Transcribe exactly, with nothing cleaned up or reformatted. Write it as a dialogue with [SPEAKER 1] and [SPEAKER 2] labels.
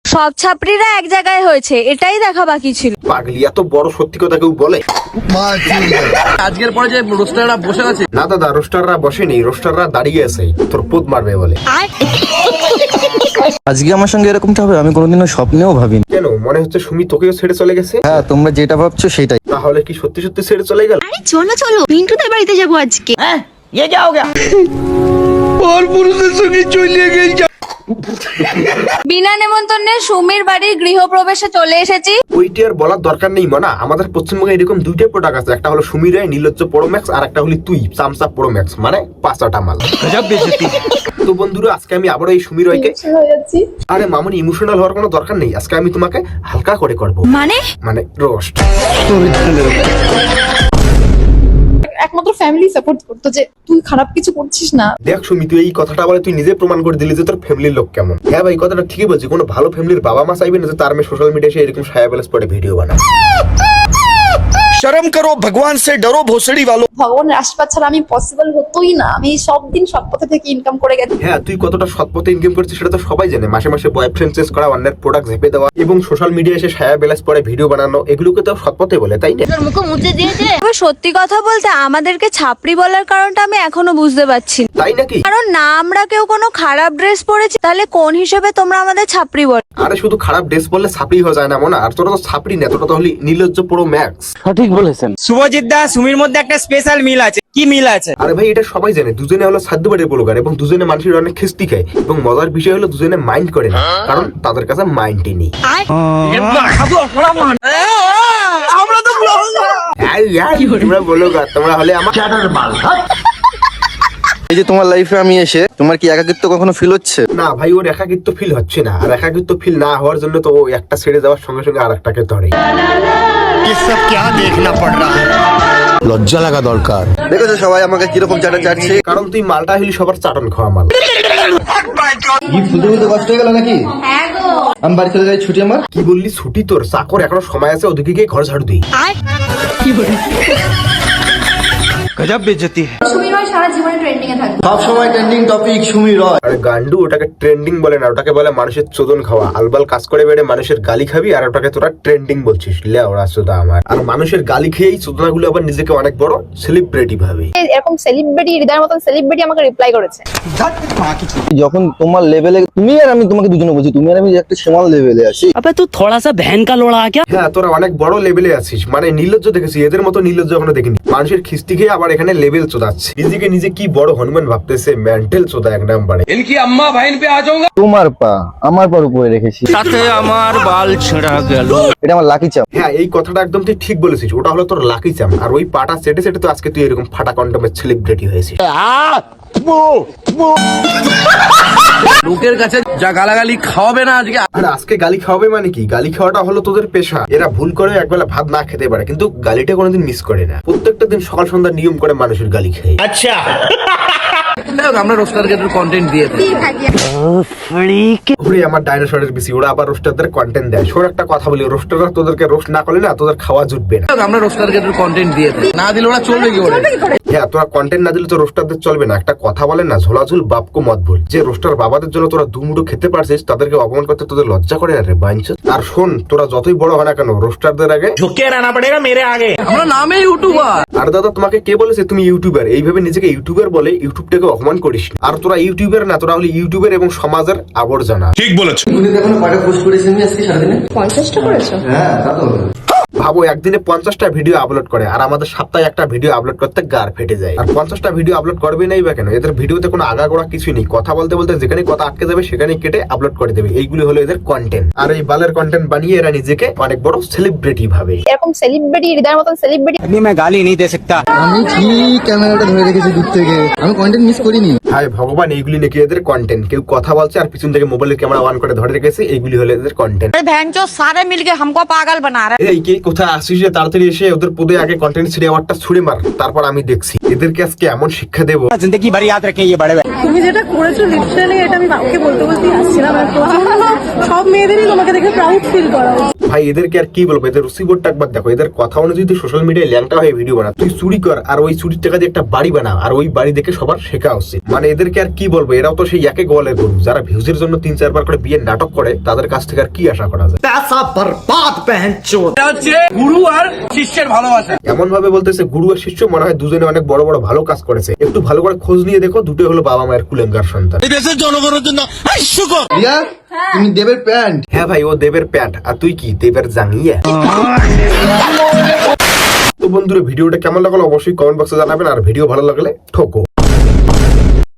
[SPEAKER 1] সব ছাত্রীরা এক জায়গায় হয়েছে, এটাই দেখা বাকি ছিল।
[SPEAKER 2] পাগলি, এত বড় সত্যি কথা কেউ বলে?
[SPEAKER 3] আজকের পরে যে রোস্টাররা বসে আছে,
[SPEAKER 2] না দাদা, রোস্টাররা বসেনি, রোস্টাররা দাঁড়িয়ে আছে, তোর পোদ মারবে বলে।
[SPEAKER 4] আজকে আমার সঙ্গে এরকমটা হবে আমি কোনোদিনও স্বপ্নেও ভাবিনি।
[SPEAKER 2] কেন, মনে হচ্ছে সুমি তোকেও ছেড়ে চলে গেছে?
[SPEAKER 4] হ্যাঁ, তোমরা যেটা ভাবছো সেটাই।
[SPEAKER 2] তাহলে কি সত্যি সত্যি ছেড়ে চলে গেল?
[SPEAKER 1] আরে চলো চলো, পিন্টুদের বাড়িতে যাবো আজকে।
[SPEAKER 3] হ্যাঁ ये क्या हो गया?
[SPEAKER 1] বিনা নেমন্তন্নে সুমির বাড়ির গৃহপ্রবেশে চলে এসেছি।
[SPEAKER 2] ওইটি আর বলার দরকার নেই মানা, আমাদের পশ্চিমবঙ্গে এরকম দুইটাই প্রোডাক্ট আছে, একটা হলো সুমি রায় নীলজ্জ প্রো ম্যাক্স, আর একটা হলি তুই চামচা প্রো ম্যাক্স, মানে পাঁচটা মাল। তো বন্ধুরা, আজকে আমি আবার এই সুমি রয়কে, আরে মামুনি ইমোশনাল হওয়ার কোনো দরকার নেই, আজকে আমি তোমাকে হালকা করে করবো,
[SPEAKER 1] মানে
[SPEAKER 2] মানে রোস্ট।
[SPEAKER 5] একমাত্র ফ্যামিলি সাপোর্ট করতো যে তুই খারাপ কিছু করছিস না।
[SPEAKER 2] দেখ সুমি, তুই এই কথাটা বলে তুই নিজে প্রমাণ করে দিলি যে তোর ফ্যামিলির লোক কেমন। হ্যাঁ ভাই, কথাটা ঠিকই বলছি, কোনো ভালো ফ্যামিলির বাবা মা চাইবে না যে তার মেয়ে সোশ্যাল মিডিয়ায় এসে এরকম সায়া ব্যালেন্স পড়ে ভিডিও বানায়।
[SPEAKER 4] শরম করো, ভগবান সে ডরো ভোসড়ি वालों।
[SPEAKER 5] ভগবানের আশীর্বাদ ছাড়া আমি পসিবল হতোই না। আমি সব দিন সৎ পথে থেকে ইনকাম করে গেছি।
[SPEAKER 2] হ্যাঁ, তুই কতটা সৎ পথে ইনকাম করছিস সেটা তো সবাই জানে। মাসে মাসে বয়ফ্রেন্ড চেঞ্জ করা, অন্যের প্রোডাক্ট ঝেপে দেওয়া এবং সোশ্যাল মিডিয়ায় এসে সায়া ব্যালেন্স পড়ে ভিডিও বানানো, এগুলোকে তো সৎ পথে বলে, তাই না?
[SPEAKER 1] তবে সত্যি কথা বলতে আমাদেরকে ছাপড়ি বলার কারণটা আমি এখনো বুঝতে পারছি না।
[SPEAKER 2] তাই নাকি?
[SPEAKER 1] কারণ না আমরা কেউ কোনো খারাপ ড্রেস পরেছি, তাহলে কোন হিসেবে তোমরা আমাদের ছাপড়ি বল?
[SPEAKER 2] আরে শুধু খারাপ ড্রেস বললে ছাপড়ি হয়ে যায় না মনে, আর তোরা তো ছাপড়ি না, তোরা তো হলি নীলজ্জ প্রো ম্যাক্স।
[SPEAKER 4] সঠিক বলেছেন।
[SPEAKER 3] শুভজিৎ দা, সুমির মধ্যে একটা স্পেশাল মিল আছে। কি মিল আছে?
[SPEAKER 2] আরে ভাই, এটা সবাই জানে, দুজনে হলো সাধ্য বাড়ির ব্লগার এবং দুজনে মানুষের অনেক খিস্তি খায়, এবং মজার বিষয় হলো দুজনে মাইন্ড করে না, কারণ তাদের কাছে মাইন্ডই নেই।
[SPEAKER 3] আমরা তো
[SPEAKER 2] এই, এই, তোমরা ব্লগার, তোমরা হলে আমার
[SPEAKER 4] এই যে তোমার লাইফে আমি এসে তোমার কি একাকিত্ব কখনো ফিল হচ্ছে?
[SPEAKER 2] না ভাই, ওর একাকিত্ব ফিল হচ্ছে না, আর একাকিত্ব ফিল না হওয়ার জন্য তো ও একটা ছেড়ে যাওয়ার সঙ্গে সঙ্গে আর একটাকে ধরে।
[SPEAKER 4] লজ্জা লাগা দরকার। দেখেছো সবাই আমাকে কিরকম চাটা চাটছে?
[SPEAKER 2] কারণ তুই মালটা হলি সবার চাটন খাওয়া মাল।
[SPEAKER 4] কি ফুলতে ফুলতে কষ্ট হয়ে গেল নাকি? আমি বাড়ি চলে যাই, ছুটি আমার।
[SPEAKER 2] কি বললি ছুটি তোর? চাকর এখনো সময় আছে, ওদিকে গিয়ে ঘর ঝাড়ু দিই।
[SPEAKER 4] গজব বেইজ্জতি।
[SPEAKER 5] সুমি ভাই সারা জীবনে ট্রেন্ডিং এ থাকবে।
[SPEAKER 4] সব সময় ট্রেন্ডিং টপিক সুমি রয়।
[SPEAKER 2] আরে গান্ডু, ওটাকে ট্রেন্ডিং বলে না, ওটাকে বলে মানুষের চোদন খাওয়া। আলবাল কাজ করে বেড়ে মানুষের গালি খাবি, আর ওটাকে তোরা ট্রেন্ডিং বলছিস। লে ওরা চোদা আমার। আর মানুষের গালি খেয়েই চোদনাগুলো আবার নিজেকে অনেক বড় সেলিব্রিটি ভাবে।
[SPEAKER 5] এরকম সেলিব্রিটি, হৃদয়ের মতন সেলিব্রিটি আমাকে রিপ্লাই করেছে।
[SPEAKER 4] যখন তোমার লেভেলে, তুমি আর আমি, তোমাকে দুজনে বলছি, তুমি আর আমি একটা সমান লেভেলে আছি।
[SPEAKER 3] अबे तू थोड़ा सा बहन का लोड़ा क्या?
[SPEAKER 2] হ্যাঁ, তোরা অনেক বড় লেভেলে আছিস, মানে নির্লজ্জ দেখেছি, এদের মতো নির্লজ্জ এখনো দেখিনি। মানুষের খিস্তি খেয়ে আবার এখানে লেভেল চোদাচ্ছে, নিজেকে নিজে কি বড় হনুমান ভাবতেছে, মেন্টাল চোদা এক নাম্বারে।
[SPEAKER 3] इनकी अम्मा बहन पे आ जाऊंगा।
[SPEAKER 4] তোমার পা আমার পার উপরে রেখেছি,
[SPEAKER 3] साथे আমার বাল ছেঁড়া গেল।
[SPEAKER 4] এটা আমার লাকি চাপ।
[SPEAKER 2] হ্যাঁ, এই কথাটা একদম তুই ঠিক বলেছিস, ওটা হলো তোর লাকি চাম। আর ওই পাটা সেটে সেটে তো আজকে তুই এরকম ফাটা কন্ডমের সেলিব্রিটি হয়েছিস।
[SPEAKER 3] লোকের কাছে যা গালাগালি খাওয়াবে না আজকে।
[SPEAKER 2] আর আজকে গালি খাওয়াবে মানে কি? গালি খাওয়াটা হলো তোদের পেশা। এরা ভুল করে একবেলা ভাত না খেতে পারে, কিন্তু গালিটা কোনোদিন মিস করে না। প্রত্যেকটা দিন সকাল সন্ধ্যা নিয়ম করে মানুষের গালি খায়।
[SPEAKER 3] আচ্ছা, আমরা রোস্টারকে একটু কন্টেন্ট দিয়ে দিই।
[SPEAKER 2] ওরে আমার ডাইনোসরের বেশি, ওরা আবার রোস্টারদের কন্টেন্ট দেয়। শোর একটা কথা বলি, রোস্টাররা তোদেরকে রোস্ট না করলে না তোদের খাওয়া জুটবে না।
[SPEAKER 3] আমরা রোস্টারকে একটু কন্টেন্ট দিয়ে দিই, না দিলে ওরা চলবে কি করে?
[SPEAKER 2] হ্যাঁ, তোরা কন্টেন্ট না দিলে তো রোস্টারদের চলবে না। একটা কথা বলে না, ঝোলাঝুল বাপকো মত ভুল। যে রোস্টার বাবাদের জন্য তোরা দুমুঠো খেতে পারছিস, তাদেরকে অপমান করতে তোদের লজ্জা করে না রে বাইঞ্চোদ? আর শোন, তোরা যতই বড় হয় না কেন, রোস্টারদের আগে
[SPEAKER 3] ঝুঁকে रहना पड़ेगा मेरे आगे। আমরা নামে ইউটিউবার।
[SPEAKER 2] আর দাদা, তোমাকে কে বলেছে তুমি ইউটিউবার? এইভাবে নিজেকে ইউটিউবার বলে ইউটিউবটাকে অপমান করিস না। আর তোরা ইউটিউবার না, তোরা হলি ইউটিউবার এবং সমাজের আবর্জনা।
[SPEAKER 6] ঠিক বলেছো।
[SPEAKER 4] তুমি দেখো কয়টা পোস্ট করেছেন আজকে সারাদিনে?
[SPEAKER 5] পঞ্চাশটা করেছো?
[SPEAKER 4] হ্যাঁ, তা তো হবে।
[SPEAKER 2] ভাবো, একদিনে পঞ্চাশটা ভিডিও আপলোড করে, আর আমাদের সপ্তাহে একটা ভিডিও আপলোড করতে গার ফেটে যায়। আর পঞ্চাশটা ভিডিও আপলোড করবে নাই বা কেন? এদের ভিডিওতে কোনো আগাগোড়া কিছুই নেই, কথা বলতে বলতে যেখানে কথা আটকে যাবে সেখানে কেটে আপলোড করে দেবে। এইগুলি হলো এদের কন্টেন্ট। আর এই বালের কন্টেন্ট বানিয়ে এরা নিজেকে অনেক বড় সেলিব্রিটি ভাবে।
[SPEAKER 5] এরকম সেলিব্রিটি, হৃদয়ের মতন সেলিব্রিটি
[SPEAKER 3] अभी मैं गाली नहीं दे सकता।
[SPEAKER 4] আমি ঠিক ক্যামেরাটা ধরে রেখেছি দূর থেকে, আমি কন্টেন্ট মিস করিনি।
[SPEAKER 2] হায় ভগবান, এইগুলি নাকি এদের কন্টেন্ট। কেউ কথা বলছে আর পিছন থেকে মোবাইলের ক্যামেরা অন করে ধরে রেখেছে, এইগুলি হলো এদের কন্টেন্ট।
[SPEAKER 1] ভ্যানচো সারে মিলকে हमको पागल बना रहे।
[SPEAKER 2] এই কে কোথায় আসিস রে? তাড়াতাড়ি এসে ওদের পদে আগে কন্টেন্ট ছিঁড়ে আমারটা ছুড়ে মার, তারপর আমি দেখছি এদেরকে আজকে এমন শিক্ষা দেবো।
[SPEAKER 3] जिंदगी भर याद रखें ये बड़े भाई।
[SPEAKER 7] তুমি যেটা করেছো লিটারালি, এটা আমি কাউকে বলতে বলতে আসছিলাম। সব মেয়েদেরই তোমাকে দেখে প্রাউড ফিল করা উচিত।
[SPEAKER 2] ভাই এদেরকে আর কি বলবো, এদের রসিবোর্ডটা একবার দেখো। এদের কথা অনুযায়ী তুই সোশ্যাল মিডিয়ায় ল্যাংটা হয়ে ভিডিও বানা, তুই চুরি কর আর ওই চুরির টাকা দিয়ে একটা বাড়ি বানা, আর ওই বাড়ি দেখে সবার শেখা উচিত। মানে এদেরকে আর কি বলবো, এরাও তো সেই একে গোয়ালের গরু, যারা ভিউজের জন্য তিন চারবার করে বিয়ের নাটক করে, তাদের কাছ থেকে আর কি আশা করা যায়।
[SPEAKER 3] এটা হচ্ছে গুরু আর শিষ্যের ভালোবাসা।
[SPEAKER 2] এমন ভাবে বলতেছে গুরু আর শিষ্য, মনে হয় দুজনে অনেক বড় বড় ভালো কাজ করেছে। একটু ভালো করে খোঁজ নিয়ে দেখো, দুটো হলো বাবা মায়ের কুলেঙ্গার সন্তান।
[SPEAKER 3] এই দেশের জনগণের জন্য হাস্যকর।
[SPEAKER 4] রিয়া তুমি দেবের প্যান্ট।
[SPEAKER 2] হ্যাঁ ভাই, ও দেবের প্যান্ট আর তুই কি দেবের জাঙ্গিয়া। তো বন্ধুরা ভিডিওটা কেমন লাগলো অবশ্যই কমেন্ট বক্সে জানাবেন, আর ভিডিও ভালো লাগলে ঠোকো।